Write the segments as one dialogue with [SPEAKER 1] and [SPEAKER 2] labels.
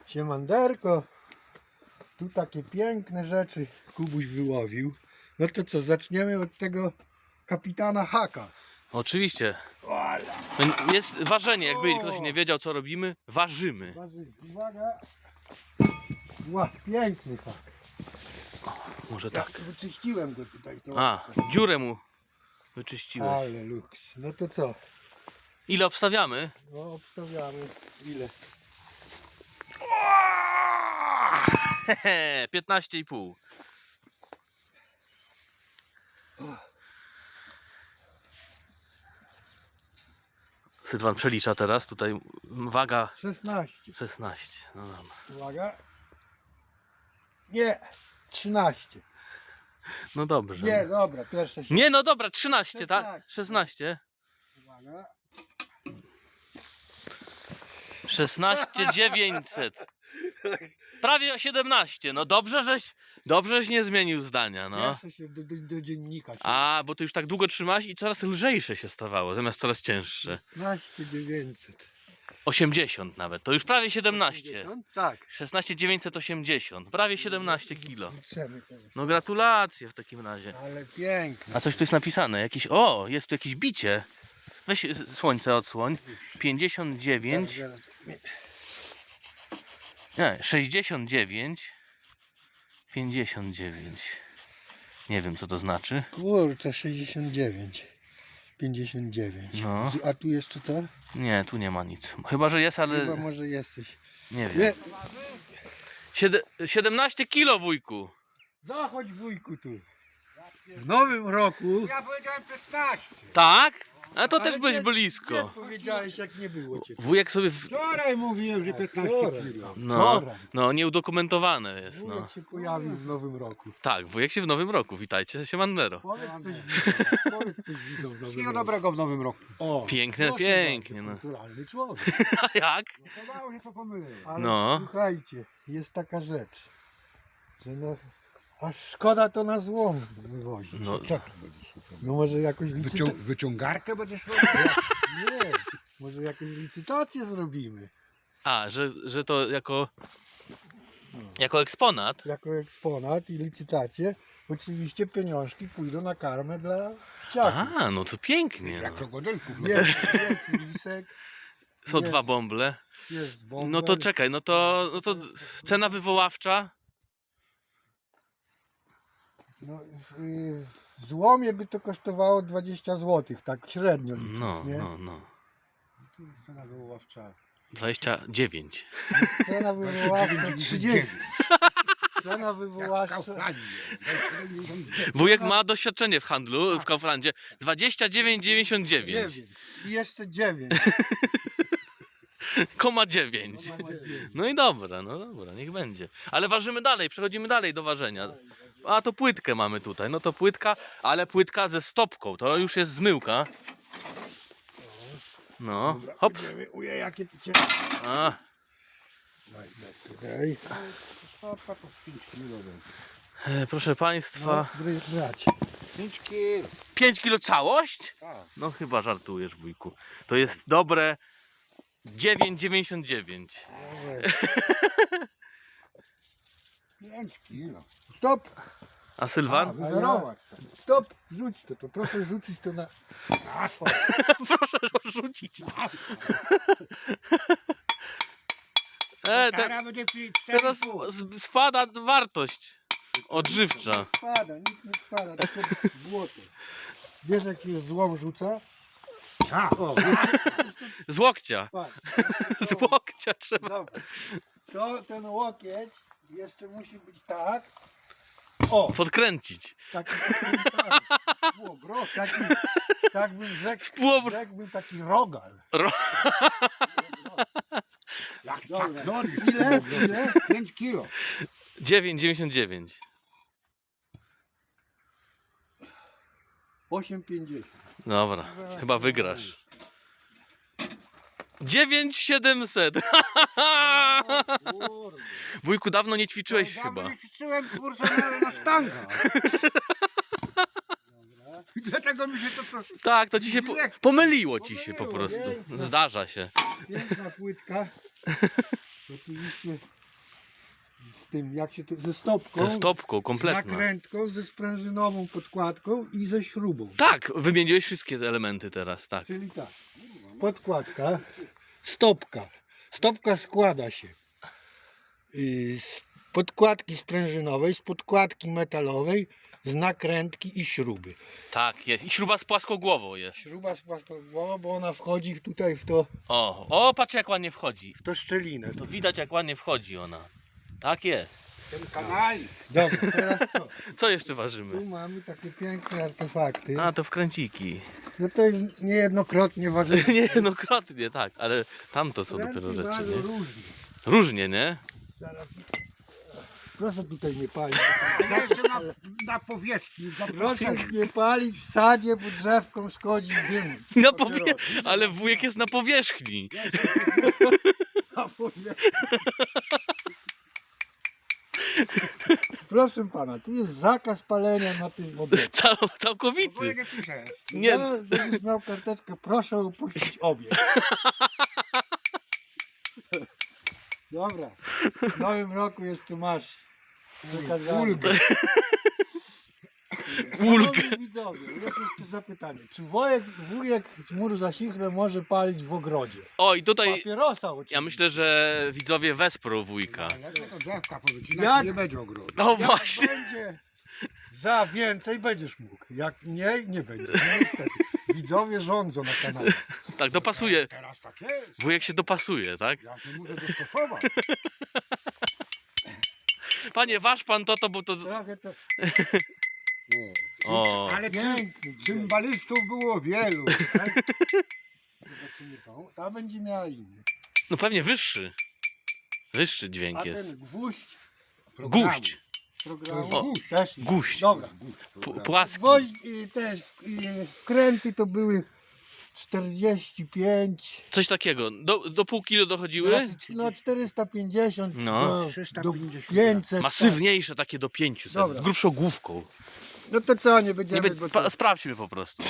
[SPEAKER 1] Siemanderko. Tu takie piękne rzeczy Kubuś wyłowił. No to co, zaczniemy od tego kapitana Haka.
[SPEAKER 2] Oczywiście. Jest ważenie, jakby ktoś nie wiedział co robimy, ważymy.
[SPEAKER 1] Uwaga. Ła, piękny Hak.
[SPEAKER 2] Może
[SPEAKER 1] Ja
[SPEAKER 2] tak.
[SPEAKER 1] wyczyściłem go tutaj.
[SPEAKER 2] A, dziurę mu wyczyściłeś.
[SPEAKER 1] Ale luks. No to co?
[SPEAKER 2] Ile obstawiamy?
[SPEAKER 1] No obstawiamy. Ile?
[SPEAKER 2] 15,5. Sylwan przelicza teraz, tutaj waga
[SPEAKER 1] 16.
[SPEAKER 2] 16. No dobra.
[SPEAKER 1] Uwaga. Nie. 13.
[SPEAKER 2] No dobrze.
[SPEAKER 1] Nie, dobra, pierwsze się.
[SPEAKER 2] Nie, no dobra, 13, tak?
[SPEAKER 1] 16.
[SPEAKER 2] 16.
[SPEAKER 1] Uwaga.
[SPEAKER 2] 16,900. Prawie 17. No dobrześ nie zmienił zdania, no.
[SPEAKER 1] Pierwsze się do dziennika.
[SPEAKER 2] A, bo ty już tak długo trzymałeś i coraz lżejsze się stawało, zamiast coraz cięższe.
[SPEAKER 1] 16 900.
[SPEAKER 2] 80 nawet, to już prawie 17.
[SPEAKER 1] 80? Tak.
[SPEAKER 2] 16,980, prawie 17 kilo.
[SPEAKER 1] Liczymy teraz.
[SPEAKER 2] No gratulacje w takim razie.
[SPEAKER 1] Ale piękne.
[SPEAKER 2] A coś tu jest napisane, jakieś, o, jest tu jakieś bicie. Weź słońce odsłoń. 59,
[SPEAKER 1] Zaraz.
[SPEAKER 2] nie, 69, 59. Nie wiem co to znaczy.
[SPEAKER 1] Kurczę, 69. 59.
[SPEAKER 2] No.
[SPEAKER 1] A tu jeszcze co?
[SPEAKER 2] Nie, tu nie ma nic. Chyba, że jest, ale
[SPEAKER 1] Chyba może jesteś.
[SPEAKER 2] nie wiem.
[SPEAKER 1] Nie.
[SPEAKER 2] 17 kilo, wujku.
[SPEAKER 1] Zachodź wujku tu. W nowym roku.
[SPEAKER 3] Ja powiedziałem 15.
[SPEAKER 2] Tak? A to
[SPEAKER 1] Ale
[SPEAKER 2] też byłeś
[SPEAKER 1] nie-
[SPEAKER 2] blisko.
[SPEAKER 1] Nie powiedziałeś jak nie było cię.
[SPEAKER 2] Wujek sobie...
[SPEAKER 3] Wczoraj mówiłem, że 15
[SPEAKER 1] Wczoraj.
[SPEAKER 3] kilo.
[SPEAKER 2] No,
[SPEAKER 1] Wczoraj.
[SPEAKER 2] no, nieudokumentowane jest, no.
[SPEAKER 1] Wujek się pojawił w nowym roku.
[SPEAKER 2] Tak, wujek się w nowym roku. Witajcie, Siemandero.
[SPEAKER 1] Powiedz coś widzom. Powiedz coś widzom w nowym
[SPEAKER 3] Wszystkiego
[SPEAKER 1] roku.
[SPEAKER 3] dobrego w nowym roku.
[SPEAKER 1] O,
[SPEAKER 2] Piękne,
[SPEAKER 1] proszę
[SPEAKER 2] pięknie,
[SPEAKER 1] bardzo,
[SPEAKER 2] no.
[SPEAKER 1] kulturalny człowiek.
[SPEAKER 2] A jak?
[SPEAKER 3] No to mało się co pomyliłem.
[SPEAKER 1] Ale
[SPEAKER 2] No.
[SPEAKER 1] słuchajcie, jest taka rzecz, że no, aż szkoda to na złom wywozić.
[SPEAKER 2] No,
[SPEAKER 3] Co tu będziesz?
[SPEAKER 1] No może jakąś licytację.
[SPEAKER 3] Wyciągarkę będziesz
[SPEAKER 1] Nie, może jakąś licytację zrobimy.
[SPEAKER 2] a, że to jako eksponat?
[SPEAKER 1] Jako eksponat i licytację. Oczywiście pieniążki pójdą na karmę dla psiaków.
[SPEAKER 2] A, no to pięknie.
[SPEAKER 3] jak
[SPEAKER 2] No.
[SPEAKER 3] krokodylków.
[SPEAKER 1] Jest lisek,
[SPEAKER 2] Są
[SPEAKER 1] jest.
[SPEAKER 2] dwa bąble.
[SPEAKER 1] jest bąbel.
[SPEAKER 2] No to czekaj, no to cena wywoławcza?
[SPEAKER 1] No, w złomie by to kosztowało 20 zł, tak średnio licząc,
[SPEAKER 2] No,
[SPEAKER 1] nie?
[SPEAKER 2] no.
[SPEAKER 3] Cena wywoławcza.
[SPEAKER 2] 29.
[SPEAKER 1] Cena wywoławcza 30. Cena
[SPEAKER 3] Jak w
[SPEAKER 1] wywoławcza
[SPEAKER 3] Kauflandzie.
[SPEAKER 2] Wujek ma doświadczenie w handlu, w Kauflandzie. 29,99.
[SPEAKER 1] 9. I jeszcze 9.
[SPEAKER 2] 9. No i dobra, niech będzie. Ale ważymy dalej, przechodzimy dalej do ważenia. A to płytkę mamy tutaj, no to płytka, ale płytka ze stopką, to już jest zmyłka. No, hop.
[SPEAKER 1] Ujej, jakie ty cię...
[SPEAKER 2] A,
[SPEAKER 1] Tutaj.
[SPEAKER 3] Stopka to z 5 kilo będzie.
[SPEAKER 2] proszę Państwa,
[SPEAKER 1] No, brać.
[SPEAKER 3] 5 kilo.
[SPEAKER 2] 5 kilo całość?
[SPEAKER 3] Tak.
[SPEAKER 2] No chyba żartujesz, wujku. To jest dobre 9,99.
[SPEAKER 3] 5 kilo.
[SPEAKER 1] Stop!
[SPEAKER 2] A Sylwan?
[SPEAKER 3] Wyzerować.
[SPEAKER 1] Stop! Rzuć to proszę rzucić to na...
[SPEAKER 3] Asfalt.
[SPEAKER 2] Proszę rzucić.
[SPEAKER 3] Kara będzie 4,5.
[SPEAKER 2] Teraz spada wartość odżywcza.
[SPEAKER 1] Spada, nic nie spada, tylko złoto. Wiesz jaki jest złom rzuca?
[SPEAKER 3] Tak.
[SPEAKER 1] O,
[SPEAKER 2] Z łokcia.
[SPEAKER 1] patrz.
[SPEAKER 2] Z łokcia trzeba.
[SPEAKER 1] Dobra. To ten łokieć jeszcze musi być tak. O!
[SPEAKER 2] Podkręcić.
[SPEAKER 1] Taki tak bym rzekł,
[SPEAKER 2] Półobro-
[SPEAKER 1] rzekłbym taki rogal.
[SPEAKER 3] Jak
[SPEAKER 1] Dobra.
[SPEAKER 3] Chuck Norris.
[SPEAKER 1] Ile?
[SPEAKER 3] 5 kilo.
[SPEAKER 2] 9,99.
[SPEAKER 1] 8,50.
[SPEAKER 2] Dobra, chyba wygrasz. 9,700.
[SPEAKER 1] Kurde.
[SPEAKER 2] Wujku, dawno nie ćwiczyłeś chyba.
[SPEAKER 3] Ja ćwiczyłem kurczę na sztanga. Dlatego mi się to
[SPEAKER 2] Tak, to ci się pomyliło ci się po prostu.
[SPEAKER 1] Pomyliło,
[SPEAKER 2] Zdarza się.
[SPEAKER 1] Piękna płytka. Oczywiście z tym, jak się to, ze stopką,
[SPEAKER 2] Ze stopką,
[SPEAKER 1] z
[SPEAKER 2] kompletna.
[SPEAKER 1] nakrętką, ze sprężynową podkładką i ze śrubą.
[SPEAKER 2] Tak, wymieniłeś wszystkie te elementy teraz, tak.
[SPEAKER 1] Czyli tak, podkładka, stopka. Stopka składa się z podkładki sprężynowej, z podkładki metalowej, z nakrętki i śruby.
[SPEAKER 2] Tak, jest. I śruba z płaskogłową jest.
[SPEAKER 1] Śruba z płaskogłową, bo ona wchodzi tutaj w to
[SPEAKER 2] Patrz jak ładnie wchodzi.
[SPEAKER 1] szczelinę. To...
[SPEAKER 2] Widać jak ładnie wchodzi ona. Tak jest.
[SPEAKER 3] Ten kanalik.
[SPEAKER 1] Dobra, teraz co?
[SPEAKER 2] Co jeszcze
[SPEAKER 1] Tu
[SPEAKER 2] ważymy?
[SPEAKER 1] mamy takie piękne artefakty.
[SPEAKER 2] A, to wkręciki.
[SPEAKER 1] No to już niejednokrotnie ważymy.
[SPEAKER 2] Niejednokrotnie, tak, ale tamto są dopiero rzeczy,
[SPEAKER 1] Bardzo
[SPEAKER 2] nie?
[SPEAKER 1] różnie.
[SPEAKER 2] Różnie, nie?
[SPEAKER 1] Zaraz. Proszę tutaj nie palić.
[SPEAKER 3] Ja jeszcze na powierzchni.
[SPEAKER 1] Proszę nie palić w sadzie, bo drzewkom szkodzi dym.
[SPEAKER 2] Ale wujek jest na powierzchni.
[SPEAKER 1] A powiem- Proszę pana, tu jest zakaz palenia na tym obiekcie.
[SPEAKER 2] Całkowity.
[SPEAKER 3] Nie.
[SPEAKER 2] Nie,
[SPEAKER 1] Zaraz będziesz miał karteczkę, proszę opuścić obiekt. Dobra, w nowym roku jeszcze masz przekazane.
[SPEAKER 3] Ulgę.
[SPEAKER 1] Szanowni widzowie, jest jeszcze zapytanie. Czy wujek chmur za sichrę może palić w ogrodzie?
[SPEAKER 2] O i tutaj
[SPEAKER 1] Papierosa oczywiście.
[SPEAKER 2] ja myślę, że widzowie wesprą wujka.
[SPEAKER 3] Jak to drzewka powycinać,
[SPEAKER 1] Jak?
[SPEAKER 3] nie będzie ogrodu.
[SPEAKER 2] No
[SPEAKER 1] Jak
[SPEAKER 2] właśnie.
[SPEAKER 1] będzie za więcej, będziesz mógł. Jak mniej, nie będziesz. No niestety. Widzowie rządzą na kanale.
[SPEAKER 2] Tak, dopasuje.
[SPEAKER 3] Teraz tak jest.
[SPEAKER 2] Wujek się dopasuje, tak?
[SPEAKER 3] Ja się muszę dostosować.
[SPEAKER 2] Panie, waż pan to, bo to...
[SPEAKER 1] Trochę to
[SPEAKER 2] O,
[SPEAKER 3] Ale
[SPEAKER 1] piękny.
[SPEAKER 3] cymbalistów było wielu.
[SPEAKER 1] Zobaczymy tą. Ta będzie miała inny.
[SPEAKER 2] no pewnie wyższy. Wyższy
[SPEAKER 1] A
[SPEAKER 2] dźwięk jest.
[SPEAKER 1] ten gwóźdź
[SPEAKER 2] Gwóźdź.
[SPEAKER 1] programu
[SPEAKER 3] To
[SPEAKER 1] o, też jest.
[SPEAKER 2] Gwóźdź.
[SPEAKER 1] Dobra.
[SPEAKER 2] Płaski.
[SPEAKER 1] Gwoźdź i też wkręty to były 45.
[SPEAKER 2] Coś takiego. Do pół kilo dochodziły?
[SPEAKER 1] Znaczy, no 450
[SPEAKER 2] No.
[SPEAKER 1] do
[SPEAKER 3] 350.
[SPEAKER 1] 500.
[SPEAKER 2] Masywniejsze takie do 500.
[SPEAKER 1] Dobra.
[SPEAKER 2] Z grubszą główką.
[SPEAKER 1] No to co, nie
[SPEAKER 2] Nie
[SPEAKER 1] będziemy.
[SPEAKER 2] be,
[SPEAKER 1] bo
[SPEAKER 2] pa,
[SPEAKER 1] to,
[SPEAKER 2] sprawdźmy po prostu.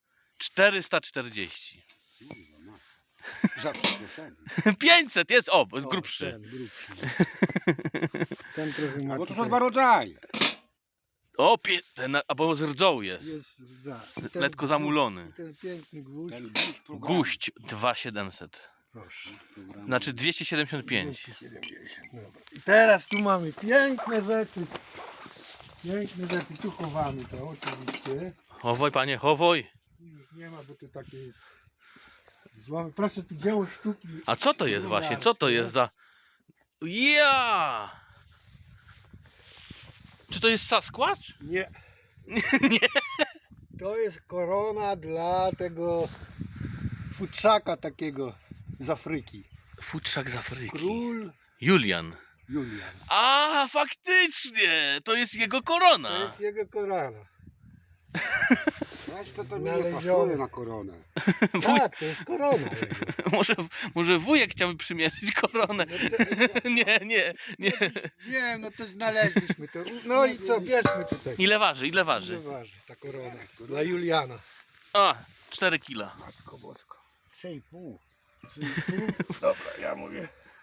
[SPEAKER 2] 440.
[SPEAKER 3] Za przyspieszenie.
[SPEAKER 2] 500 jest, o, jest
[SPEAKER 1] o,
[SPEAKER 2] grubszy.
[SPEAKER 1] Ten, grubszy. Ten trochę ma
[SPEAKER 3] Bo to są
[SPEAKER 1] tutaj-
[SPEAKER 3] dwa rodzaje.
[SPEAKER 2] O, albo z rdzą jest.
[SPEAKER 1] jest ten
[SPEAKER 2] Lekko zamulony.
[SPEAKER 1] Ten piękny gwóźdź.
[SPEAKER 3] Ten gwóźdź programu.
[SPEAKER 2] Guść 2700.
[SPEAKER 1] Proszę.
[SPEAKER 2] Znaczy 275.
[SPEAKER 1] 270. Dobra. I teraz tu mamy piękne rzeczy. Piękne rzeczy. Tu chowamy to oczywiście.
[SPEAKER 2] Chowoj panie, chowoj.
[SPEAKER 1] Tu już nie ma, bo to takie jest złamy. Proszę, tu dzieło sztuki.
[SPEAKER 2] A co to jest właśnie? Co to jest za... Ja! Czy to jest Sasquatch?
[SPEAKER 1] Nie.
[SPEAKER 2] Nie.
[SPEAKER 1] To jest korona dla tego futrzaka takiego z Afryki.
[SPEAKER 2] Futrzak z Afryki.
[SPEAKER 1] Król
[SPEAKER 2] Julian.
[SPEAKER 1] Julian.
[SPEAKER 2] A, faktycznie! To jest jego korona.
[SPEAKER 1] To jest jego korona.
[SPEAKER 3] Weź to mi nie
[SPEAKER 1] Znalezione.
[SPEAKER 3] pasuje na koronę.
[SPEAKER 1] Tak, to jest korona jego.
[SPEAKER 2] Może wujek chciałby przymierzyć koronę. Nie.
[SPEAKER 1] Wiem, no to znaleźliśmy to. No i co, bierzmy tutaj.
[SPEAKER 2] Ile waży? Ile
[SPEAKER 1] Ile
[SPEAKER 2] waży?
[SPEAKER 1] waży ta korona? Dla Juliana.
[SPEAKER 2] A, 4 kila.
[SPEAKER 3] Matko boska. 3,5.
[SPEAKER 1] 3,5. Dobra, ja mówię.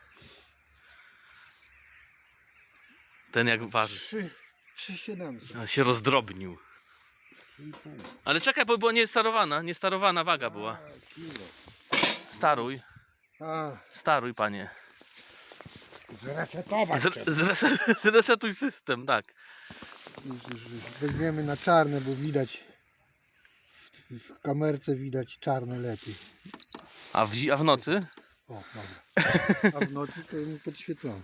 [SPEAKER 2] Ten jak waży.
[SPEAKER 1] 3,700.
[SPEAKER 2] Się rozdrobnił.
[SPEAKER 3] 3,5.
[SPEAKER 2] Ale czekaj, bo była niestarowana waga była. Staruj, staruj panie.
[SPEAKER 3] Zresetować trzeba.
[SPEAKER 2] Zresetuj system, tak.
[SPEAKER 1] Już weźmiemy na czarne, bo widać. W kamerce widać czarne lepiej.
[SPEAKER 2] A w nocy?
[SPEAKER 1] O, dobra. A w nocy to mi podświetlone.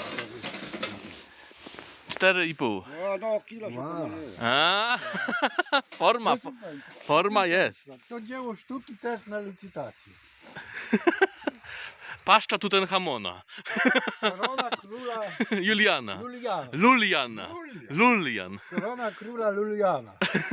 [SPEAKER 2] 4,5.
[SPEAKER 3] No, kilo się
[SPEAKER 1] Wow.
[SPEAKER 3] pomyliło.
[SPEAKER 2] A, forma jest.
[SPEAKER 1] To dzieło sztuki też na licytację.
[SPEAKER 2] Paszcza Tutenhamona.
[SPEAKER 1] Korona króla
[SPEAKER 2] Juliana.
[SPEAKER 1] Juliana.
[SPEAKER 2] Luliana. Lulian.
[SPEAKER 1] Korona króla Juliana.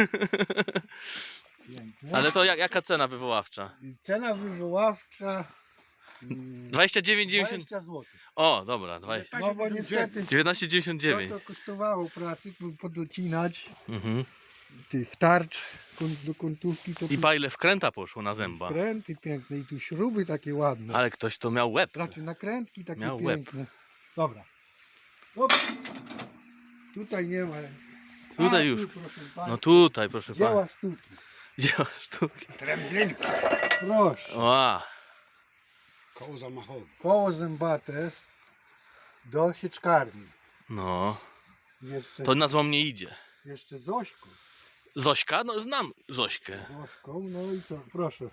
[SPEAKER 1] Pięknie.
[SPEAKER 2] Ale to jaka cena wywoławcza?
[SPEAKER 1] Cena wywoławcza
[SPEAKER 2] 29,90.
[SPEAKER 1] 20 zł.
[SPEAKER 2] O, dobra, 20.
[SPEAKER 1] No bo niestety
[SPEAKER 2] 19,99.
[SPEAKER 1] to kosztowało pracy, by podocinać
[SPEAKER 2] Mhm.
[SPEAKER 1] tych tarcz do kątówki. To
[SPEAKER 2] I pa ile wkręta poszło na zęba.
[SPEAKER 1] Kręty piękne i tu śruby takie ładne.
[SPEAKER 2] Ale ktoś to miał łeb.
[SPEAKER 1] Znaczy nakrętki takie
[SPEAKER 2] Miał łeb.
[SPEAKER 1] piękne. Dobra. Op. Tutaj nie ma.
[SPEAKER 2] Tutaj
[SPEAKER 1] A,
[SPEAKER 2] już.
[SPEAKER 1] Tu, proszę pana.
[SPEAKER 2] No tutaj, proszę
[SPEAKER 1] Dzieła
[SPEAKER 2] pana.
[SPEAKER 1] sztuki.
[SPEAKER 2] Dzieła sztuki.
[SPEAKER 3] Tręblinki.
[SPEAKER 1] Proszę.
[SPEAKER 2] Ła.
[SPEAKER 3] Koło zamachowe.
[SPEAKER 1] Koło zębate do sieczkarni.
[SPEAKER 2] No,
[SPEAKER 1] Jeszcze,
[SPEAKER 2] to na złom nie idzie.
[SPEAKER 1] jeszcze Zośką.
[SPEAKER 2] Zośka? No znam Zośkę.
[SPEAKER 1] Zośką, no i co? Proszę.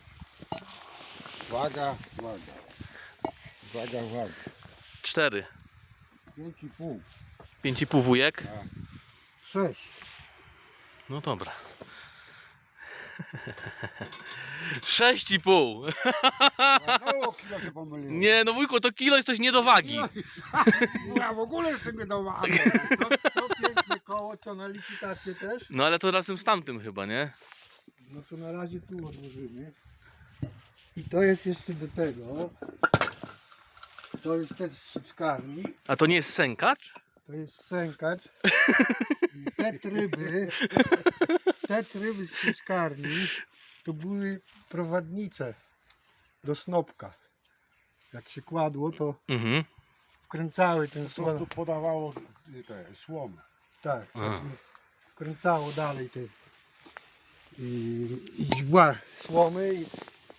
[SPEAKER 3] Waga, waga. Waga, waga.
[SPEAKER 2] 4.
[SPEAKER 3] 5,5.
[SPEAKER 2] 5,5 wujek.
[SPEAKER 1] 6.
[SPEAKER 2] No dobra. 6,5.
[SPEAKER 3] No, kilo się pomyliłem.
[SPEAKER 2] Nie, no wujku, to kilo jest coś nie do wagi.
[SPEAKER 3] Ja w ogóle jestem nie do wagi.
[SPEAKER 1] To piękne koło, co na licytację też?
[SPEAKER 2] No ale to razem z tamtym chyba, nie?
[SPEAKER 1] No to na razie tu odłożymy. I to jest jeszcze do tego. To jest też z sieczkarni.
[SPEAKER 2] A to nie jest sękacz?
[SPEAKER 1] To jest sękacz. I te tryby z sieczkarni to były prowadnice do snopka. Jak się kładło, to
[SPEAKER 2] Mhm.
[SPEAKER 1] wkręcały ten
[SPEAKER 3] Po
[SPEAKER 1] słon.
[SPEAKER 3] prostu podawało te słomy.
[SPEAKER 1] Tak,
[SPEAKER 2] A.
[SPEAKER 1] wkręcało dalej te źdźbła słomy i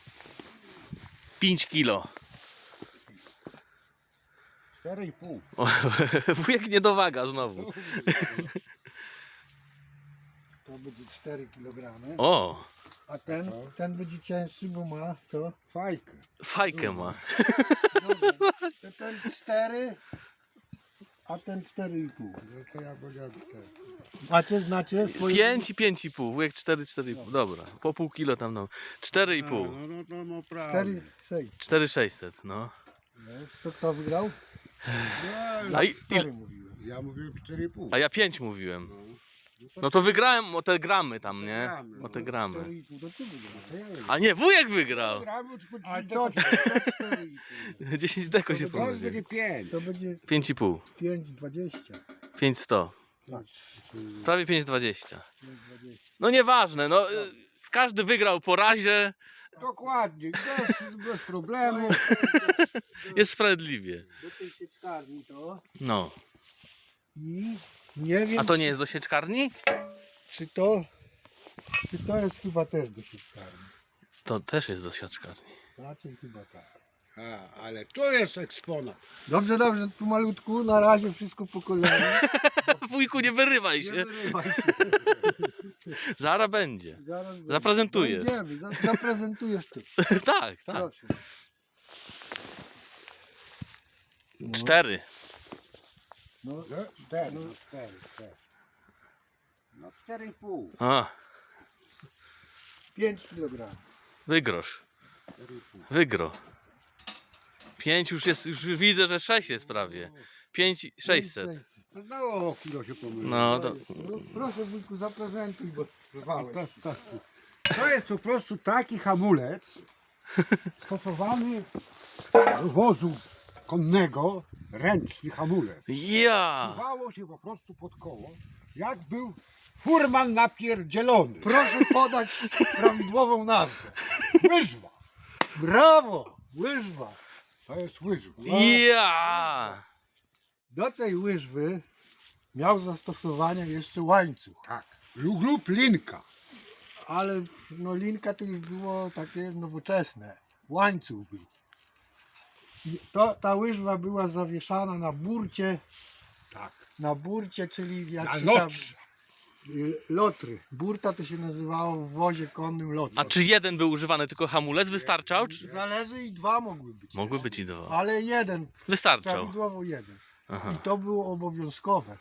[SPEAKER 2] 5 kilo.
[SPEAKER 3] 4,5.
[SPEAKER 2] O, wujek nie dowaga znowu.
[SPEAKER 1] to będzie 4 kg.
[SPEAKER 2] O,
[SPEAKER 1] A ten będzie cięższy, bo ma co?
[SPEAKER 3] Fajkę.
[SPEAKER 2] fajkę ma.
[SPEAKER 1] Dobra, to ten 4, a ten 4,5.
[SPEAKER 3] No to ja powiedziałem 4.
[SPEAKER 1] Macie, znacie swoje?
[SPEAKER 2] 5 i 5,5. Wujek 4, 4,5. Dobra, po pół kilo tam no. 4,5.
[SPEAKER 3] No to no
[SPEAKER 1] 4,
[SPEAKER 3] prawda.
[SPEAKER 1] 6.
[SPEAKER 2] 4,600, no.
[SPEAKER 1] Jest. To kto wygrał?
[SPEAKER 3] No,
[SPEAKER 2] A,
[SPEAKER 1] 4 mówiłem.
[SPEAKER 3] ja mówiłem 4,5.
[SPEAKER 2] a ja 5 mówiłem. No to wygrałem o te gramy tam, nie? O te gramy.
[SPEAKER 1] 4,5 to ty wygrałeś.
[SPEAKER 2] A nie, wujek wygrał.
[SPEAKER 1] A to 4,5.
[SPEAKER 2] 10 deko się
[SPEAKER 3] To
[SPEAKER 2] pomyliło.
[SPEAKER 3] będzie 5.
[SPEAKER 1] To będzie
[SPEAKER 2] 5,5.
[SPEAKER 1] 5,20.
[SPEAKER 2] 5,100.
[SPEAKER 1] Tak,
[SPEAKER 2] Prawie 5,20.
[SPEAKER 1] 5,20.
[SPEAKER 2] No nieważne, no każdy wygrał po razie,
[SPEAKER 3] Dokładnie, bez problemu.
[SPEAKER 2] jest sprawiedliwie.
[SPEAKER 1] Do tej sieczkarni to
[SPEAKER 2] No.
[SPEAKER 1] i nie wiem,
[SPEAKER 2] A to nie jest do sieczkarni?
[SPEAKER 1] czy to jest chyba też do sieczkarni.
[SPEAKER 2] To też jest do sieczkarni.
[SPEAKER 1] Raczej chyba tak.
[SPEAKER 3] Ale to jest eksponat.
[SPEAKER 1] Dobrze, tu malutku, na razie wszystko po kolei.
[SPEAKER 2] Wujku, nie wyrywaj
[SPEAKER 1] Nie
[SPEAKER 2] się.
[SPEAKER 1] wyrywaj się.
[SPEAKER 2] Zaraz będzie.
[SPEAKER 1] Zaraz będzie.
[SPEAKER 2] Zaprezentujesz.
[SPEAKER 1] Dojdziemy, zaprezentujesz ty.
[SPEAKER 2] Tak, tak.
[SPEAKER 1] Proszę. No,
[SPEAKER 2] 4.
[SPEAKER 1] no,
[SPEAKER 3] 4, no 4. No 4,5.
[SPEAKER 2] A,
[SPEAKER 1] 5 kg.
[SPEAKER 2] wygrosz.
[SPEAKER 3] 4,5.
[SPEAKER 2] Wygro. 5 już jest, już widzę, że 6 jest prawie. 5,600.
[SPEAKER 3] No znowu kilo się pomyliło.
[SPEAKER 2] No to
[SPEAKER 1] No, proszę wujku, zaprezentuj, bo trwałeś.
[SPEAKER 3] To jest po prostu taki hamulec stosowany do wozu konnego, ręczny hamulec.
[SPEAKER 2] ja.
[SPEAKER 3] Wsuwało się po prostu pod koło, jak był furman napierdzielony.
[SPEAKER 1] Proszę podać prawidłową nazwę.
[SPEAKER 3] Łyżwa.
[SPEAKER 1] Brawo! Łyżwa.
[SPEAKER 3] To jest łyżwa.
[SPEAKER 2] Ja.
[SPEAKER 1] Do tej łyżwy miał zastosowanie jeszcze łańcuch.
[SPEAKER 3] Tak. Lub linka.
[SPEAKER 1] Ale no linka to już było takie nowoczesne. Łańcuch był. I ta łyżwa była zawieszana na burcie.
[SPEAKER 3] Tak.
[SPEAKER 1] Na burcie, czyli jak
[SPEAKER 3] Na
[SPEAKER 1] się
[SPEAKER 3] noc.
[SPEAKER 1] lotry. Burta to się nazywało w wozie konnym lotry.
[SPEAKER 2] A czy jeden był używany, tylko hamulec wystarczał? Czy...
[SPEAKER 1] Zależy i dwa mogły być.
[SPEAKER 2] Mogły być i 2.
[SPEAKER 1] Ale jeden,
[SPEAKER 2] Wystarczał.
[SPEAKER 1] prawidłowo jeden.
[SPEAKER 2] Aha.
[SPEAKER 1] I to było obowiązkowe.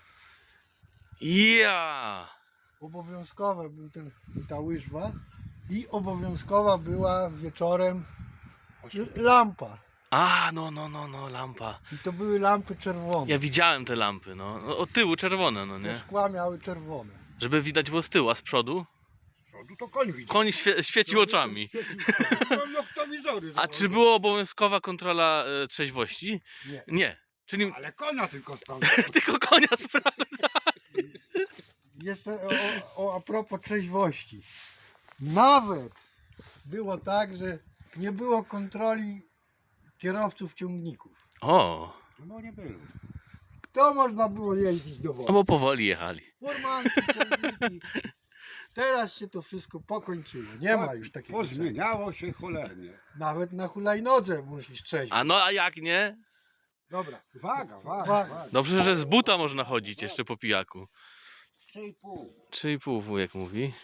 [SPEAKER 2] Ja.
[SPEAKER 1] Obowiązkowa był ta łyżwa i obowiązkowa była wieczorem lampa.
[SPEAKER 2] A, no, lampa.
[SPEAKER 1] I to były lampy czerwone.
[SPEAKER 2] Ja widziałem te lampy, no. No, od tyłu czerwone, no
[SPEAKER 1] Te
[SPEAKER 2] nie?
[SPEAKER 1] szkła miały czerwone.
[SPEAKER 2] Żeby widać było z tyłu, a z przodu?
[SPEAKER 3] Z przodu to koń widzi.
[SPEAKER 2] Koń świecił oczami.
[SPEAKER 3] Mam noktowizory.
[SPEAKER 2] A czy była obowiązkowa kontrola trzeźwości?
[SPEAKER 1] Nie.
[SPEAKER 2] Nie. Czyli
[SPEAKER 3] Ale konia tylko sprawdza.
[SPEAKER 2] tylko konia sprawdza.
[SPEAKER 1] Jeszcze a propos trzeźwości. Nawet było tak, że nie było kontroli kierowców ciągników.
[SPEAKER 2] O,
[SPEAKER 3] No nie było.
[SPEAKER 1] To można było jeździć do wody.
[SPEAKER 2] No bo powoli jechali.
[SPEAKER 1] Furmanki, ciągniki. Teraz się to wszystko pokończyło. Nie ma już takiego czegoś.
[SPEAKER 3] Pozmieniało się cholernie.
[SPEAKER 1] Nawet na hulajnodze musisz trzeźwić.
[SPEAKER 2] A no a jak nie?
[SPEAKER 1] Dobra.
[SPEAKER 3] Waga.
[SPEAKER 2] Dobrze, że z buta można chodzić jeszcze po pijaku.
[SPEAKER 3] 3,5.
[SPEAKER 2] 3,5 wujek mówi.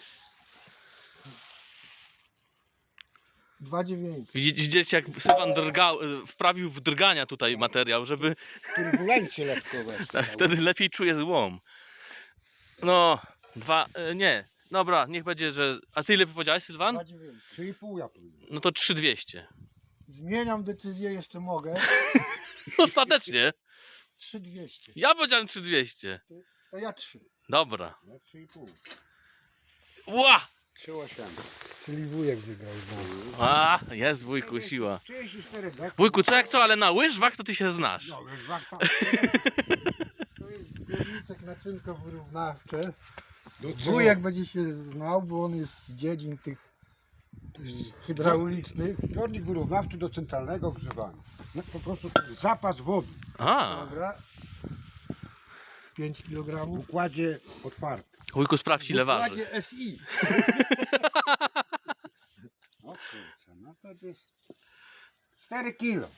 [SPEAKER 1] 2,9.
[SPEAKER 2] Widzicie jak Sylwan wprawił w drgania tutaj materiał, żeby
[SPEAKER 3] Turbulencje lekko weszły.
[SPEAKER 2] tak, wtedy lepiej czuje złom. No, nie. Dobra, niech będzie, że... A ty ile powiedziałeś, Sylwan?
[SPEAKER 1] 2,9.
[SPEAKER 3] 3,5 ja powiedziałem.
[SPEAKER 2] No to 3,200.
[SPEAKER 1] Zmieniam decyzję, jeszcze mogę.
[SPEAKER 2] Ostatecznie.
[SPEAKER 1] 3,200.
[SPEAKER 2] Ja powiedziałem 3,200.
[SPEAKER 1] To ja 3.
[SPEAKER 2] Dobra.
[SPEAKER 3] Ja 3,5.
[SPEAKER 2] Ła!
[SPEAKER 3] 3,8.
[SPEAKER 1] Czyli wujek wygrał znowu.
[SPEAKER 2] A, jest wujku, siła.
[SPEAKER 3] 34 dek.
[SPEAKER 2] Wujku, co jak co, ale na łyżwach to ty się znasz.
[SPEAKER 3] No, już wachta.
[SPEAKER 1] To jest zbiorniczek naczynko wyrównawcze.
[SPEAKER 3] Do co?
[SPEAKER 1] Wujek będzie się znał, bo on jest z dziedzin tych hydraulicznych.
[SPEAKER 3] Zbiornik wyrównawczy do centralnego ogrzewania. No, po prostu to jest zapas wody
[SPEAKER 2] A,
[SPEAKER 1] Dobra. 5
[SPEAKER 3] w
[SPEAKER 1] kg.
[SPEAKER 3] układzie otwartym.
[SPEAKER 2] wujku, sprawdź ile waży.
[SPEAKER 1] Układzie SI.
[SPEAKER 3] O kurczę, no to jest 4 kilo.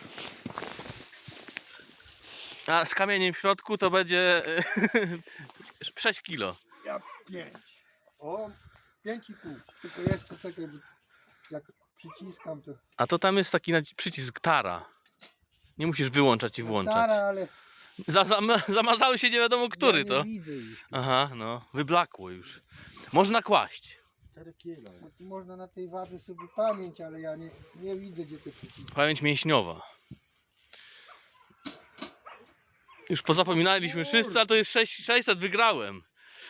[SPEAKER 2] A z kamieniem w środku to będzie 6 kilo.
[SPEAKER 1] Ja 5. O, 5,5. Tylko jeszcze czekaj, bo jak przyciskam to...
[SPEAKER 2] A to tam jest taki przycisk tara. Nie musisz wyłączać i włączać.
[SPEAKER 1] Stara, ale
[SPEAKER 2] Zamazały się nie wiadomo który
[SPEAKER 1] ja
[SPEAKER 2] to.
[SPEAKER 1] nie widzę już.
[SPEAKER 2] Aha, no, wyblakło już. Można kłaść.
[SPEAKER 3] 4 kilo.
[SPEAKER 1] No, tu można na tej wadze sobie pamięć, ale ja nie widzę, gdzie te przyciski.
[SPEAKER 2] Pamięć mięśniowa. Już pozapominaliśmy wszyscy, a to jest 600, wygrałem.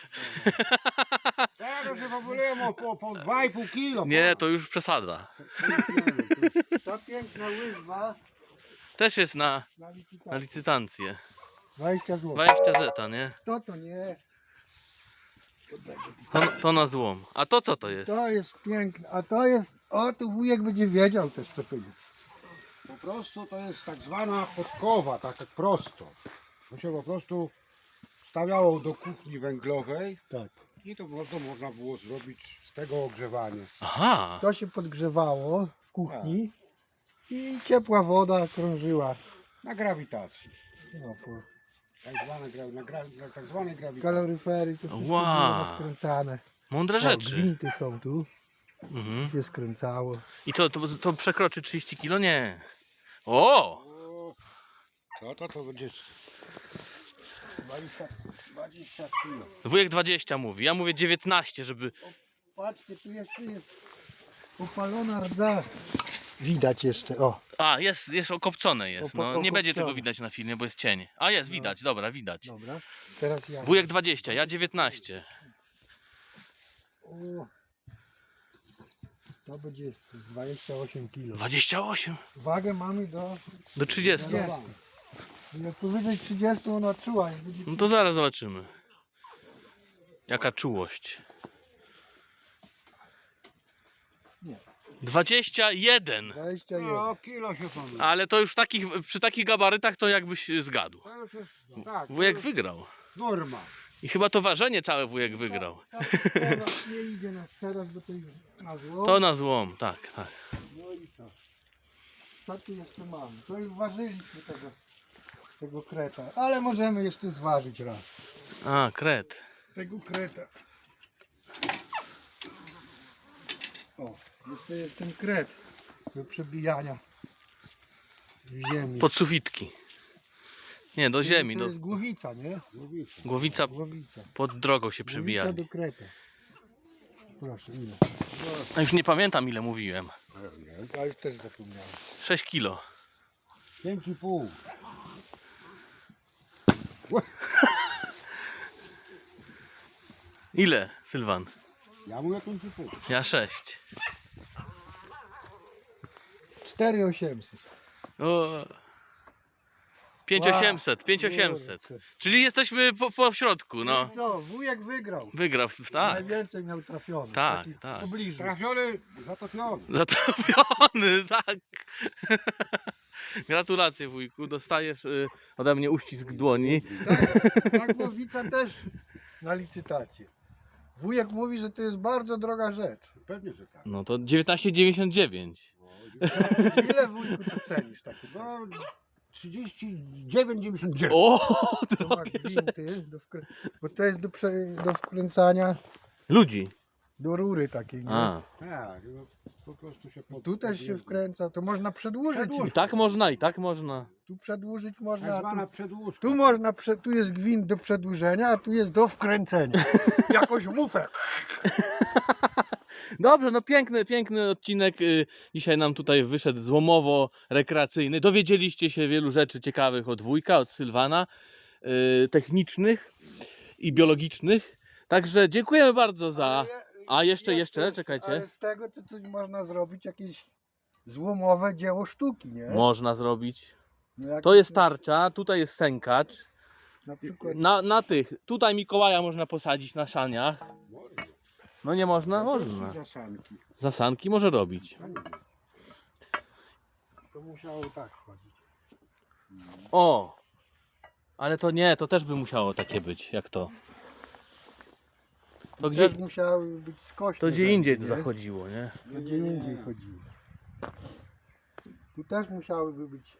[SPEAKER 3] Teraz się pobulujemy po 2,5 kilo.
[SPEAKER 2] Nie, to już przesada.
[SPEAKER 1] Ta piękna łyżwa
[SPEAKER 2] Też jest na
[SPEAKER 1] na licytację.
[SPEAKER 2] licytację.
[SPEAKER 1] 20 zł.
[SPEAKER 2] 20 zeta, nie?
[SPEAKER 1] To nie.
[SPEAKER 2] To na złom. A to co to jest?
[SPEAKER 1] To jest piękne. A to jest... O, tu wujek będzie wiedział też, co to jest.
[SPEAKER 3] Po prostu to jest tak zwana podkowa, tak jak prosto. To się po prostu stawiało do kuchni węglowej
[SPEAKER 1] Tak.
[SPEAKER 3] i to można było zrobić z tego ogrzewanie.
[SPEAKER 2] Aha.
[SPEAKER 1] To się podgrzewało w kuchni i ciepła woda krążyła.
[SPEAKER 3] Na grawitacji.
[SPEAKER 1] No, po
[SPEAKER 3] Tak zwanej grawitacji.
[SPEAKER 1] kaloryfery to wszystko
[SPEAKER 2] Wow.
[SPEAKER 1] było skręcane.
[SPEAKER 2] Mądre
[SPEAKER 1] O,
[SPEAKER 2] rzeczy.
[SPEAKER 1] gwinty są tu.
[SPEAKER 2] Mhm.
[SPEAKER 1] Się skręcało.
[SPEAKER 2] I to przekroczy 30 kilo? Nie. O!
[SPEAKER 3] O, to będzie 20 kilo.
[SPEAKER 2] Wujek 20 mówi. Ja mówię 19, żeby...
[SPEAKER 1] Patrzcie, tu jeszcze jest opalona rdza. Widać jeszcze, o.
[SPEAKER 2] A, jest okopcone jest. No, nie będzie tego
[SPEAKER 1] Okopcone.
[SPEAKER 2] widać na filmie, bo jest cień. A jest, widać, dobra, widać.
[SPEAKER 1] Dobra, teraz ja.
[SPEAKER 2] Wujek 20, ja 19.
[SPEAKER 1] O, to będzie 28 kg.
[SPEAKER 2] 28
[SPEAKER 1] Wagę mamy
[SPEAKER 2] do 30.
[SPEAKER 1] 30. Jak powyżej 30 ona czuła. Jak będzie
[SPEAKER 2] No to zaraz zobaczymy. Jaka czułość.
[SPEAKER 1] Nie.
[SPEAKER 2] 21.
[SPEAKER 1] 21.
[SPEAKER 3] No, kilo się pomyli.
[SPEAKER 2] Ale to już przy takich gabarytach to jakbyś zgadł.
[SPEAKER 3] To już jest, tak,
[SPEAKER 2] Wujek
[SPEAKER 3] to już
[SPEAKER 2] wygrał.
[SPEAKER 3] norma.
[SPEAKER 2] I chyba to ważenie całe wujek wygrał.
[SPEAKER 1] Teraz nie idzie nas teraz, bo to już na zło.
[SPEAKER 2] To na złom, tak, tak.
[SPEAKER 1] No i co? Co tu jeszcze mamy? To już ważyliśmy tego kreta, ale możemy jeszcze zważyć raz.
[SPEAKER 2] A, kret.
[SPEAKER 1] Tego kreta. O, jeszcze jest ten kret do przebijania w ziemi.
[SPEAKER 2] Pod sufitki. Nie, do ziemi.
[SPEAKER 1] To jest głowica, nie?
[SPEAKER 2] Głowica
[SPEAKER 1] Głowica.
[SPEAKER 2] pod drogą się
[SPEAKER 1] Głowica
[SPEAKER 2] przebijali.
[SPEAKER 1] do kreta. Proszę, ile?
[SPEAKER 2] A już nie pamiętam ile mówiłem.
[SPEAKER 1] Ja już też zapomniałem.
[SPEAKER 2] 6 kilo.
[SPEAKER 3] 5,5.
[SPEAKER 2] Ile, Sylwan?
[SPEAKER 3] Ja mówię 5,5.
[SPEAKER 2] Ja 6.
[SPEAKER 1] 4800.
[SPEAKER 2] O. 5800, 5800. Czyli jesteśmy po środku, no.
[SPEAKER 1] I co? Wujek wygrał.
[SPEAKER 2] Wygrał, tak.
[SPEAKER 1] Najwięcej miał trafiony.
[SPEAKER 2] Tak,
[SPEAKER 1] Takich
[SPEAKER 2] tak.
[SPEAKER 1] w pobliżu.
[SPEAKER 3] Trafiony, zatopiony.
[SPEAKER 2] Zatopiony, tak. Gratulacje wujku, dostajesz ode mnie uścisk dłoni.
[SPEAKER 1] Tak, głowica też na licytację. Wujek mówi, że to jest bardzo droga rzecz.
[SPEAKER 3] Pewnie, że tak.
[SPEAKER 2] No to 19,99.
[SPEAKER 1] Ile wujku to cenisz takie?
[SPEAKER 3] No, 39,99.
[SPEAKER 2] O,
[SPEAKER 1] To ma gwinty, bo to jest do wkręcania
[SPEAKER 2] ludzi.
[SPEAKER 1] do rury takiej. Nie?
[SPEAKER 2] A,
[SPEAKER 3] Tak, no, po prostu się
[SPEAKER 1] I tu też się wkręca, to można przedłużyć.
[SPEAKER 2] i tak można, i tak można.
[SPEAKER 1] Tu przedłużyć
[SPEAKER 3] Tak
[SPEAKER 1] można. a
[SPEAKER 3] zwana
[SPEAKER 1] Tu,
[SPEAKER 3] przedłużka.
[SPEAKER 1] tu można, tu jest gwint do przedłużenia, a tu jest do wkręcenia. Jakąś mufę.
[SPEAKER 2] Dobrze, no piękny odcinek. Dzisiaj nam tutaj wyszedł złomowo-rekreacyjny. Dowiedzieliście się wielu rzeczy ciekawych od wujka, od Sylwana, technicznych i biologicznych. Także dziękujemy bardzo za... A jeszcze, czekajcie.
[SPEAKER 1] Ale z tego to coś można zrobić, jakieś złomowe dzieło sztuki, nie?
[SPEAKER 2] Można zrobić.
[SPEAKER 1] No jak
[SPEAKER 2] To jest tarcza, tutaj jest sękacz.
[SPEAKER 1] na przykład
[SPEAKER 2] Na tych, tutaj Mikołaja można posadzić na saniach. No nie można? Można.
[SPEAKER 3] Zasanki.
[SPEAKER 2] Zasanki może robić.
[SPEAKER 1] to musiało tak chodzić.
[SPEAKER 2] O! Ale to nie, to też by musiało takie być, jak to. To gdzie,
[SPEAKER 1] Też musiały być skośne.
[SPEAKER 2] to gdzie indziej to
[SPEAKER 1] nie?
[SPEAKER 2] zachodziło, nie?
[SPEAKER 1] To gdzie indziej chodziło. Tu też musiałyby być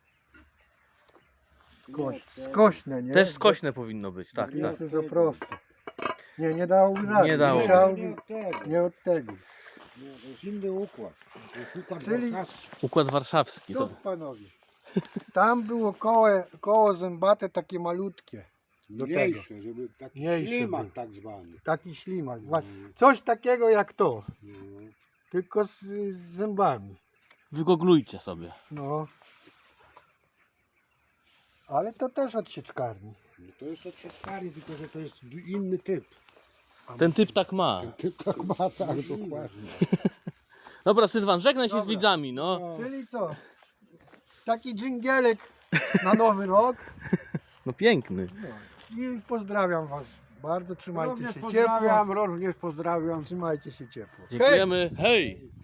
[SPEAKER 1] skośne, nie?
[SPEAKER 2] Też skośne powinno być, tak,
[SPEAKER 1] Nie
[SPEAKER 2] tak.
[SPEAKER 1] jest za prosto. Nie dałoby rady.
[SPEAKER 2] Nie dało.
[SPEAKER 1] Musiałoby,
[SPEAKER 3] Nie od tego.
[SPEAKER 1] nie od tego.
[SPEAKER 3] Nie, to jest inny układ. To jest układ
[SPEAKER 1] Czyli-
[SPEAKER 3] warszawski.
[SPEAKER 2] Układ warszawski. To...
[SPEAKER 1] Stop, panowie. Tam było koło zębate takie malutkie. Do tego.
[SPEAKER 3] Mniejsze, żeby taki
[SPEAKER 1] Mniejsze
[SPEAKER 3] ślimak
[SPEAKER 1] były.
[SPEAKER 3] tak zwany.
[SPEAKER 1] Taki ślimak. Coś takiego jak to.
[SPEAKER 3] No.
[SPEAKER 1] Tylko z zębami.
[SPEAKER 2] Wygoglujcie sobie.
[SPEAKER 1] No. Ale to też od sieczkarni.
[SPEAKER 3] No to jest od sieczkarni, tylko że to jest inny typ.
[SPEAKER 2] Ten typ tak ma.
[SPEAKER 3] Typ tak ma, tak, dokładnie.
[SPEAKER 2] Dobra, Sylwan, żegnaj się z
[SPEAKER 1] Dobra.
[SPEAKER 2] widzami, no.
[SPEAKER 3] No.
[SPEAKER 1] Czyli co? Taki dżingielek na nowy rok.
[SPEAKER 2] No piękny.
[SPEAKER 1] No. I pozdrawiam was bardzo. Trzymajcie
[SPEAKER 3] Również
[SPEAKER 1] się ciepło.
[SPEAKER 3] pozdrawiam, również pozdrawiam.
[SPEAKER 1] Trzymajcie się ciepło. Hej!
[SPEAKER 2] Dziękujemy. Hej!